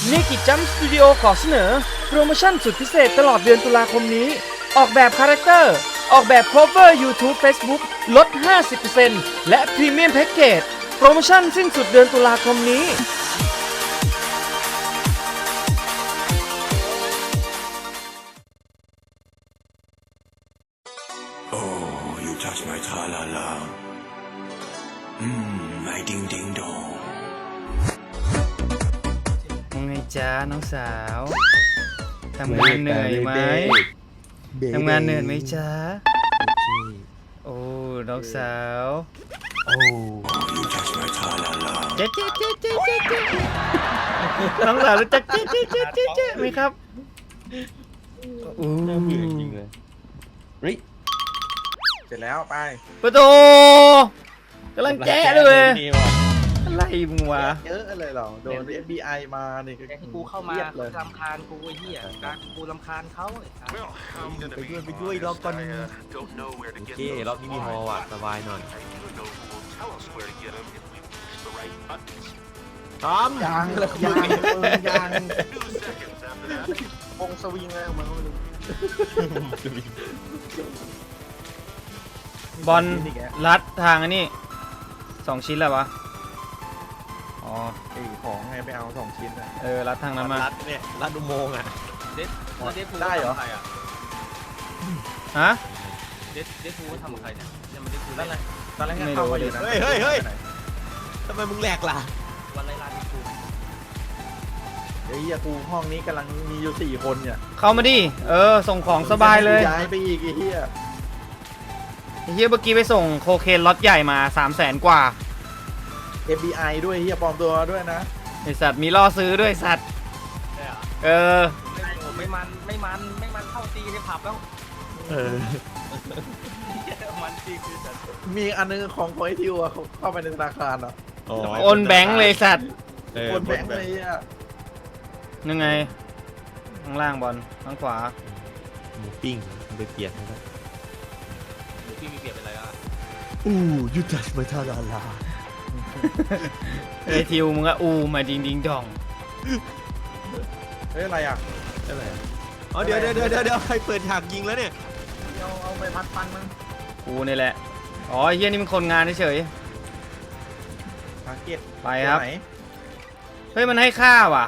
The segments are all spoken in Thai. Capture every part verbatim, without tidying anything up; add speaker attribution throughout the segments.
Speaker 1: นิกิจัมสตูดิโอขอเสนอโปรโมชั่นสุดพิเศษตลอดเดือนตุลาคมนี้ออกแบบคาแรคเตอร์ออกแบบ cover YouTube Facebook ลด ห้าสิบเปอร์เซ็นต์ และพรีเมียมแพ็กเกจโปรโมชั่นสิ้นสุดเดือนตุลาคมนี้
Speaker 2: Oh, you touch my tra-la-la. Mmm, my ding-ding-dong.
Speaker 1: ไงจ้าน้องสาวทำงานเหนื่อยไหมทำงานเหนื่อยไหมจ้าโอ้น้องสาว
Speaker 2: Oh, you touch my tra-la-la.
Speaker 1: เจ๊เจ๊เจ๊เจ๊เจ๊เจ๊น้องสาวรู้จักเจ๊เจ๊เจ๊เจ๊เจ๊ไหมครับอู้
Speaker 3: น่าเบื่อจริงเลยเฮ้ย
Speaker 4: เสร็จแล้วไป
Speaker 1: ประตูกำลังแจ๊ะเลย
Speaker 3: นี่ว่ะ
Speaker 1: อะไรมึงวะ
Speaker 4: เยอะเลยเหรอโดน เอฟ บี ไอ มาเนี่ยก็
Speaker 5: แต่กูเข้ามา
Speaker 4: ครียดเลย
Speaker 5: รำคาญกูไอ้เหี้ยการกูรำคาญเขาไอ้สัส
Speaker 3: ไปด้วยไปด้วยรอบก่อนนึงโอเครอบนี้มีฮอว่ะสบายหน่อยทอม
Speaker 4: ยางเลยยางมึงยางวงสวิงเลยมันก็ไม่รู้
Speaker 1: บอลรัดทางอันนี้สองชิ้นแล้ววะอ๋อ
Speaker 4: ไอ้ของไงไปเอาสองชิ้นอะ
Speaker 1: เออรัดทางนั้นมา
Speaker 3: รัดเนี่ยรัดอุโมงค์อ่ะ
Speaker 5: เด็ดเด็ดฟู
Speaker 4: ได้เหรอ
Speaker 5: ทำกับใครอ่ะ
Speaker 1: ฮะ
Speaker 5: เด็ดเด็ดฟูทำกับใครเนี่ยเนี่ยมันเด็ดฟู
Speaker 4: นั่นแหละตอนแรก
Speaker 1: ไม่รู้
Speaker 4: เข้ามาอยู่นะ
Speaker 3: เฮ้ยเฮ้ยเฮ้ยทำไมมึงแหลกล่ะ
Speaker 5: วันไรลานเด็ดฟู
Speaker 4: เดี๋ยวเฮียกูห้องนี้กำลังมีอยู่สี่คนเนี่ย
Speaker 1: เข้ามาดิเออส่งของสบายเลย
Speaker 4: ย้ายไปอีกไอ้เฮีย
Speaker 1: ไอ้เฮียเมื่อกี้ไปส่งโคเคนล็อตใหญ่มาสามแสนกว่า
Speaker 4: เอฟ บี ไอ ด้วยเฮียปลอมตัวด้วยนะ
Speaker 1: ไอสัตว์มีล่อซื้อด้วยสัตว์
Speaker 5: ใช่เหรอ
Speaker 1: เออ
Speaker 5: ไม่โอ้ไม่มันไม่มันไม่มันเข้าตีในผับแล้ว
Speaker 3: เออ
Speaker 5: มันจริงคือสัส
Speaker 4: มีอันนึงของของไอทิวอะเขาเข้าไปในธนาคารอ่ะ
Speaker 1: โอนแบงค์เลยสัตว์
Speaker 3: เออ
Speaker 4: คนแบงค์เลยอ่ะ
Speaker 1: ยังไงข้างล่างบอลข้างขวา
Speaker 3: หมูปิ้งมึงไปเปลี่ยนนะครับ
Speaker 5: หรือพี่มีเปรียบเป็นไรอ่ะ
Speaker 3: อู้ยูทัชมาทาลาลา
Speaker 1: เอ้ยทิวมึงก็อูมาดิงดิงดอง
Speaker 4: เฮ้ยอะไรอ่ะ
Speaker 3: อะไรอ๋อเดี๋ยวเดี๋ยวเดี๋ยวเดี๋ยวใครเปิดฉากยิงแล้วเนี่ย
Speaker 4: เอาเอาไปพัดฟันมัน
Speaker 1: กูนี่แหละอ๋อไอ้เฮียนี่มันคนงานเฉย
Speaker 4: ทาร์เก็ต
Speaker 1: ไปครับ
Speaker 4: ตัวไหน
Speaker 1: ๆเฮ้ยมันให้ค่าว่ะ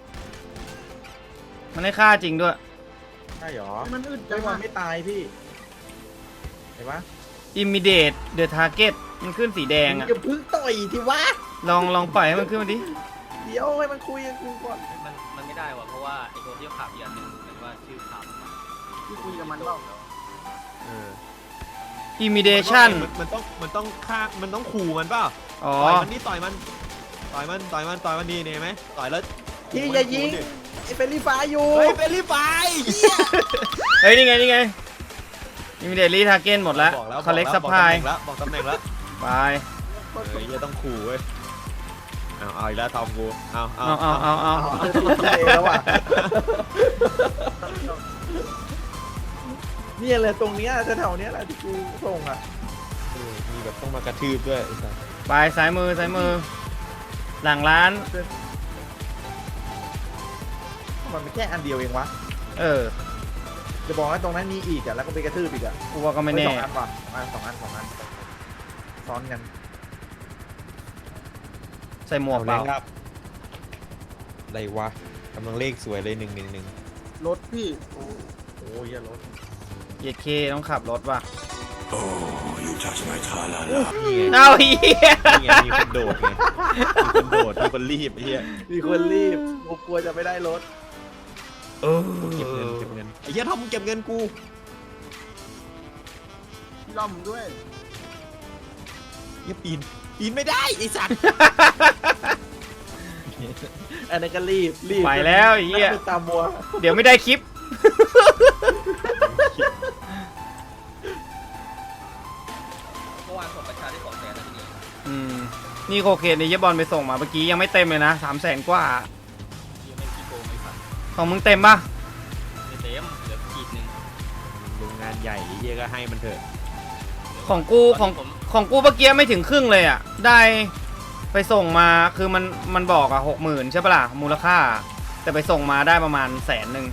Speaker 1: มันให้ค่าจริงด้วย
Speaker 4: ใช่หรอมันอึดจังมันไม่ตายพี่เห็นปะ
Speaker 1: immediate the target มันขึ้นสีแดงอะ
Speaker 4: อย่าพึ่งต่อยทีวะ
Speaker 1: ลองลองปล่อยให้มันขึ้นมาดิ
Speaker 4: เดี๋ยวให้มันคุยกับกูก่อน
Speaker 5: มันมันไม่ได้ว่ะเพราะว่าไอ้ตัวที่ขับอีกอันหนึงเหมือนว่าชื่อขับ
Speaker 4: ที่คุยกับมันเปล่า
Speaker 3: เออ
Speaker 1: immediation
Speaker 3: มันมันต้องมันต้องฆ่ามันต้องขู่มันเปล่า
Speaker 1: อ๋อ
Speaker 3: ต่อยมันนี่ต่อยมันต่อยมันต่อยมันต่อยมันดีเนี่ยเห็นไหมต่อยแล้ว
Speaker 4: ที่อย่ายิงไอ้เป็นรีฟ้าอยู่
Speaker 3: เฮ้ยเป็นรีบไปเหี้ย
Speaker 1: เฮ้ย นี่ไง นี่ไง immediately target หมดแล้ว
Speaker 3: บอกแล้ว
Speaker 1: collect
Speaker 3: บอก
Speaker 1: supply
Speaker 3: แล้วบอกตำแหน่งแล้ว
Speaker 1: ไป
Speaker 3: เออจะต้องขู่เว้ยเอาเอาอีกแล้วทอมกูเอาเอา
Speaker 1: เอาเอาเอาเอา
Speaker 4: เอาเอาแล้วอ่ะเนี่ยเลยตรงเนี้ยแถวๆเนี้ยแหละที่กูส่งอ่ะ
Speaker 3: เออมีแบบต้องมากระทืบด้วยไอ้สัส
Speaker 1: ไปซ้ายมือซ้ายมือ หลังร้าน
Speaker 4: มันไม่แค่อันเดียวเองวะ
Speaker 1: เออ
Speaker 4: จะบอกว่าตรงนั้นมีอีกอ่ะแล้วก็ไปกระทืบอีกอ่ะ
Speaker 1: กูว่าก็ไม่แน่
Speaker 4: สองอันก่อนสองอันสองอันสองอันซ้อนกัน
Speaker 1: ใส่หมวกเปล่า
Speaker 3: ครับอะไรวะกำลังเลขสวยเลยหนึ่งหนึ่งหนึ่ง
Speaker 4: รถพี่โอ้โหเหี้ยรถ
Speaker 1: เยเคต้องขับรถว่ะ
Speaker 2: Oh, you touch my tra-la-la.
Speaker 3: นี่ไง
Speaker 1: เอาเฮีย
Speaker 3: นี่ไงมีคนโดดไงมีคนโดดมีคนรีบไอ้เหี้ย
Speaker 4: มีคนรีบกูกลัวจะไม่ได้รถ
Speaker 1: เออ
Speaker 3: เก็บเงินเก็บเงินไอ้เหี้ยทอมมึงเก็บเงินกู
Speaker 4: ล่อมด้วย
Speaker 3: เหี้ยปีนปีนไม่ได้ไอ้สัตว์
Speaker 4: อันนั้นก็รีบรีบ
Speaker 1: ไปแล้วไอ้เฮีย
Speaker 4: นั่งตามมัว
Speaker 1: เดี๋ยวไม่ได้คลิป
Speaker 5: เมื่อวานส่งประชาได้สองแสนแล้วทีนี้
Speaker 1: อืม นี่โคเคนในเยบอลไปส่งมาเมื่อกี้ยังไม่เต็มเลยนะสามแสนกว่า
Speaker 5: ยังไม่ขี้โกงไม่ฝัน
Speaker 1: ของมึงเต็มปะ
Speaker 5: ไม่เต็มเหลือขีดหนึ่ง
Speaker 3: โรงงานใหญ่ไอ้เหี้ยก็ให้มันเถอะ
Speaker 1: ของกูของ
Speaker 5: ผม
Speaker 1: ของกูเมื่อกี้ไม่ถึงครึ่งเลยอ่ะ ได้ไปส่งมาคือมันมันบอกอ่ะหกหมื่นใช่ปะล่ะมูลค่าแต่ไปส่งมาได้ประมาณแสนหนึ่ง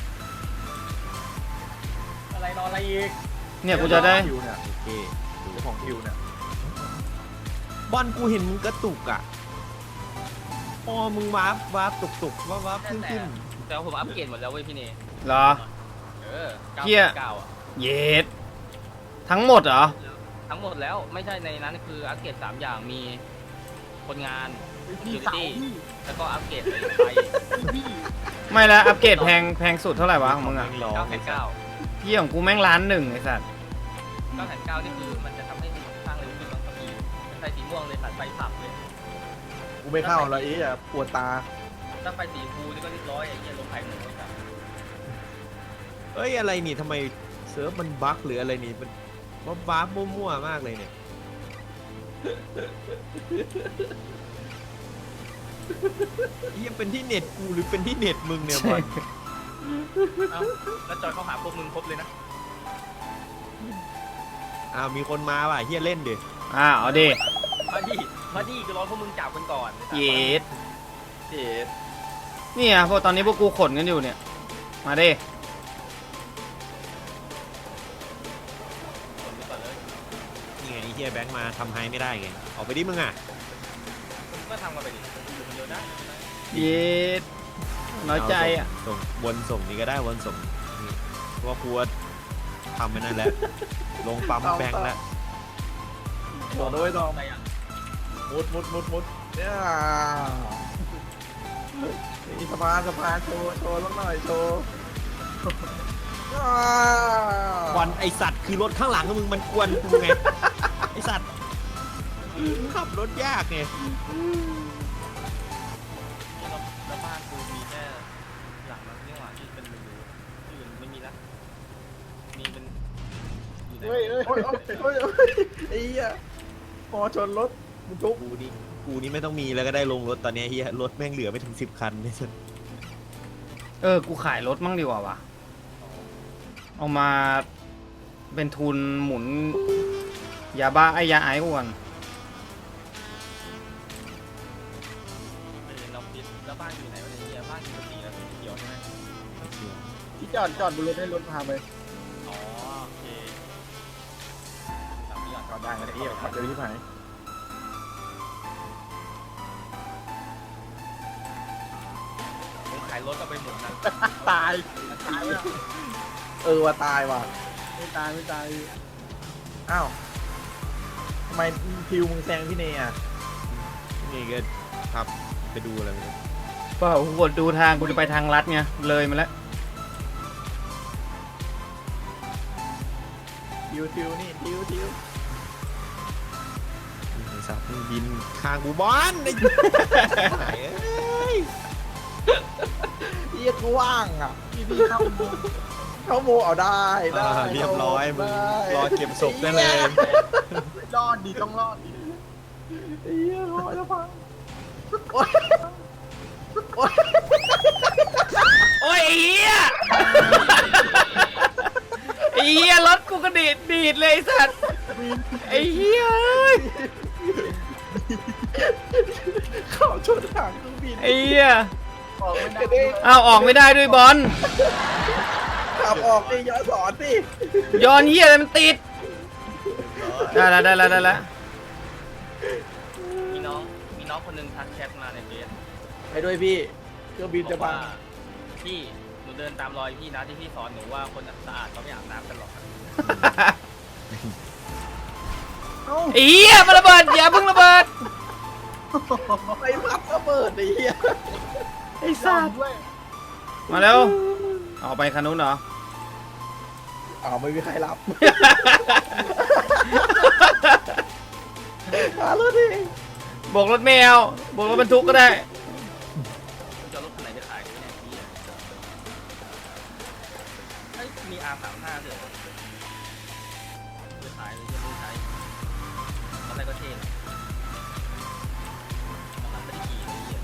Speaker 4: อะไรนอนอะไรอีก
Speaker 1: เนี่ยกูจะได้
Speaker 4: คิวเนี่ย
Speaker 3: โอเค
Speaker 4: เจ้าของคิวเนี่ย
Speaker 3: บอลกูเห็นมึงกระตุกอ่ะพอมึงวาร์ปวาร์ปตุกตุกวาร์ปวาร์ปขึ้นขึ้น
Speaker 5: แต่ว่าผมอัปเกรดหมดแล้วเว้ยพี่เน
Speaker 1: เหรอ
Speaker 5: เออเก้า
Speaker 1: เหี้ย
Speaker 5: เก้าอ่ะ
Speaker 1: เยดทั้งหมดเหรอ
Speaker 5: ทั้งหมดแล้วไม่ใช่ในนั้นคืออัปเกรดสามอย่างมีคนงาน
Speaker 4: พี่
Speaker 5: security
Speaker 4: เสาพี่
Speaker 5: แล้วก็อัปเกรดไฟ
Speaker 4: พี่
Speaker 1: ไม่แล้วอัปเกรดแพงแพงสุดเท่าไหร่วะของมึงอ่ะ
Speaker 3: ร้อง
Speaker 5: เก้าแสนเก้า
Speaker 1: พี่ของกูแม่งล้านหนึ่งไอ้สัตว์
Speaker 5: เก้าแสนเก้านี่คือมันจะทำให้สร้างเร็วขึ้นบางทีเป็นไฟสีม่วงเลยตัดไฟสับเลย
Speaker 4: กูไม่เข้าแล้วอีอ่ะปวดตา
Speaker 5: ถ้าไฟสีฟูนี่ก็เรียบร้อยไอ้เหี้ยลงไฟหมูเลยครับ
Speaker 3: เอ้ยอะไรนี่ทำไมเซิร์ฟมันบั๊กหรืออะไรนี่มันว่าบั๊กมั่วๆมากเลยเนี่ยเหี้ยังเป็นที่เน็ตกูหรือเป็นที่เน็ตมึงเนี่ยบอล
Speaker 5: เอ้าแล้วจอยเข้าหาพวกมึงครบเลยนะ
Speaker 3: อ้าวมีคนมาว่ะเฮียเล่นดิ
Speaker 1: อ่าเอาดิ
Speaker 5: มาดิมาดิก็รอพวกมึงจับกันก่อน
Speaker 1: เยด
Speaker 4: เจ็ด
Speaker 1: เนี่ยพวกตอนนี้พวกกูขนกันอยู่เนี่ยมาดิ
Speaker 5: คนไปก่อนเลย
Speaker 3: นี่ไงไอ้เฮียแบงค์มาทำไฮไม่ได้ไงออกไปดิมึงอ่ะ
Speaker 5: มึงก็ทำกันไปดิอยู่คนเดียวได้
Speaker 1: เยดน้อยใจอ่ะ
Speaker 3: เาส่งส่งวนส่งนี่ก็ได้วนส่งนี่เพราะว่ากูว่าทำไปนั่นแหละลงปั๊มแบงค์แล้ว
Speaker 4: บอกด้วยตอง
Speaker 5: อะไรอ่ะ
Speaker 4: มุดมุดมุดมุดเนี่ยมีสะพานสะพานโชว์โชว์สักหน่อยโชว์อ่า
Speaker 3: บอลไอสัตว์คือรถข้างหลังของมึงมันกวนกูไงไอสัตว์มึงขับรถยากไง
Speaker 5: นี่เราแล้วบ้านกูมีแค่หลังนั้นนี่หว่าที่เป็นรูที่อื่นไม่มีละมีเป็นอยู่ใน
Speaker 4: เฮ้ยเฮ้ยเฮ้ยเฮ้ยเฮ้ยไอ้เหี้ยพอชนรถมันทุก
Speaker 3: กูนี่กูนี่ไม่ต้องมีแล้วก็ได้ลงรถตอนเนี้ยเฮียรถแม่งเหลือไม่ถึงสิบคันเนี่ยสัส
Speaker 1: เออกูขายรถมั่งดีกว่าวะเอามาเป็นทุนหมุนยาบ้าไอ้ยาไอ้ก่อน
Speaker 5: เออเราคิดแล้วบ้านอยู่ไหนวะเนี่ยบ้านอยู่สีแล้วสีเขียวใช่ไหม
Speaker 4: ที่จอดจอดบนรถให้รถพาไป
Speaker 5: อ๋อโอเคสามนี้ก่อน
Speaker 4: จอดได้ไงไอ้เหี้ยขับเร็วที่ไหน
Speaker 5: ผมขายรถก็ไปหมุนนะ
Speaker 4: ตาย
Speaker 5: ตายแล้ว
Speaker 4: เออว่าตายว่ะไม่ตายไม่ตายอ้าวทำไมพิวมึงแซงพี่เนยอ่ะ
Speaker 3: นี่ก็ขับไปดูอะไรไม่รู้
Speaker 1: เปล่ากูกดดูทางกูจะไปทางลัดไงเลยมาแล้ว
Speaker 4: ทิวทิวนี่ทิวทิว
Speaker 3: ไอสัตว์มึงบินข้างกูบอลไอ้ไหนเอ้ย
Speaker 4: เรียกว่างอ่ะพี่พี่เข้าโมเข้าโมเอาได้ได้
Speaker 3: อ่าเรียบร้อยมึงรอเก็บศพได้เลย
Speaker 4: รอดดีต้องรอดดีไอ้เหี้ยรอจะพังโอ๊ยโอ๊ย
Speaker 1: โอ้ยไอ้เหี้ยไอ้เหี้ยรถกูก็ดีดดีดเลยไอ้สัตว์ไอ้เหี้ยเอ้ย
Speaker 4: ขอชนหางเครื่องบิน
Speaker 1: ไอ้เหี้ย
Speaker 4: ออกไม่ได้
Speaker 1: อ้าวออกไม่ได้ด้วยบอล
Speaker 4: ขับออกดิย้อนสอนสิ
Speaker 1: ย้อนเหี้ยอะไรมันติดได้แล้วได้แล้วได้แล้ว
Speaker 5: มีน้องมีน้องคนหนึงทักแชทมาในเฟซ
Speaker 4: ไปด้วยพี่เครื่องบิน
Speaker 5: บอ
Speaker 4: จะ
Speaker 5: ก
Speaker 4: พั
Speaker 5: ว่าง พี่หนูเดินตามรอยพี่นะที่พี่สอนหนูว่าคนสะอาดเขาไม่อาบน้ำกันหรอกครับ
Speaker 4: เอ้า
Speaker 1: ไอ้เหี้ยมันระเบิดอย่าเพิ่งระเบิด
Speaker 4: ไปพัดระเบิดไอ้เหี้ย
Speaker 1: ไอ้สัตว์มาเร็วออกไปคันนู้นเหรอ
Speaker 4: อ้าวไม่มีใครรับหารถดิ
Speaker 1: โบกรถแมวโบกรถบรรทุกก็ได้
Speaker 5: คุณจะเอารถคันไหนไปขายกันเนี่ยพี่เฮ้ยมี อาร์ สามสิบห้า ด้วยเหรอไปขายเลยจะไม่ใช้ตอนแรกก็เท่นะตอนหลังไม่ได้ขี่เลยเหี้ย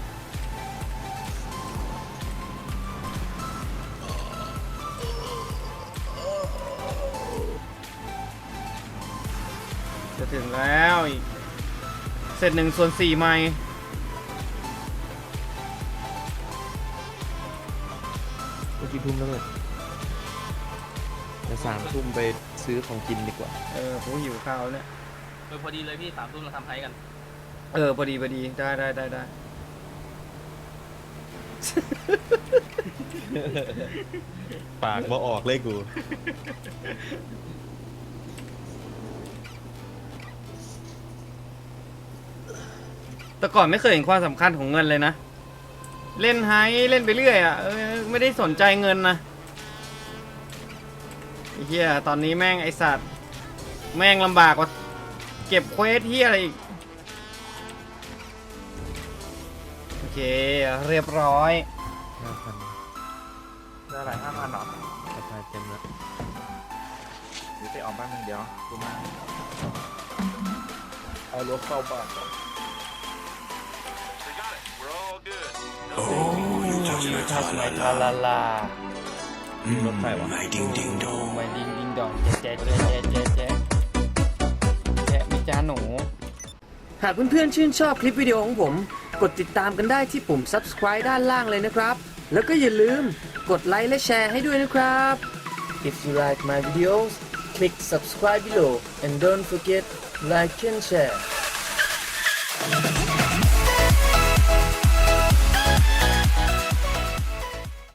Speaker 1: จะถึงแล้วอีกเสร็จหนึ่งส่วนสี่ไมล์
Speaker 6: กี่ทุ่มแล้วเนี่ยเดี๋ยวสามทุ่มไปซื้อของกินดีกว่า
Speaker 1: เออผมหิวข้าวเนี่ย
Speaker 5: เออพอดีเลยพี่สามทุ่มเราทำไฮกัน
Speaker 1: เออพอดีพอดีได้ได้ได้ได้
Speaker 3: ปากบ่ออกเลยกู
Speaker 1: แต่ก่อนไม่เคยเห็นความสำคัญของเงินเลยนะ เล่นไฮเล่นไปเรื่อยอ่ะเออไม่ได้สนใจเงินนะไอ้เหี้ยตอนนี้แม่งไอสัตว์แม่งลำบากกว่าเก็บเควสเหี้ยอะไรอีกโอเคเรียบร้อย
Speaker 6: ห้าพัน
Speaker 4: ได้อะไรห้าพันหรอ
Speaker 6: ราคาเต็มแล้ว
Speaker 4: เดี๋ยวไปออกบ้านหนึ่งเดี๋ยวดูมาเอารถเข้าบ้าน
Speaker 2: Oh, you touch my
Speaker 1: ทัชไม
Speaker 2: tra
Speaker 1: ทา
Speaker 2: la
Speaker 1: ลา
Speaker 2: la.
Speaker 1: ลา
Speaker 2: Mm,
Speaker 3: รถไฟวะ
Speaker 2: my ding ding
Speaker 1: โอ้
Speaker 2: dong.
Speaker 1: ไม่ดิงดิงดองแจ๊ะแจ๊ะแจ๊ะแจ๊ะแจ๊ะแจ๊ะมิจ้าหนู หากเพื่อนๆชื่นชอบคลิปวิดีโอของผม กดติดตามกันได้ที่ปุ่ม subscribe ด้านล่างเลยนะครับ แล้วก็อย่าลืมกดไลค์และแชร์ให้ด้วยนะครับ If you like my videos click subscribe below and don't forget like and share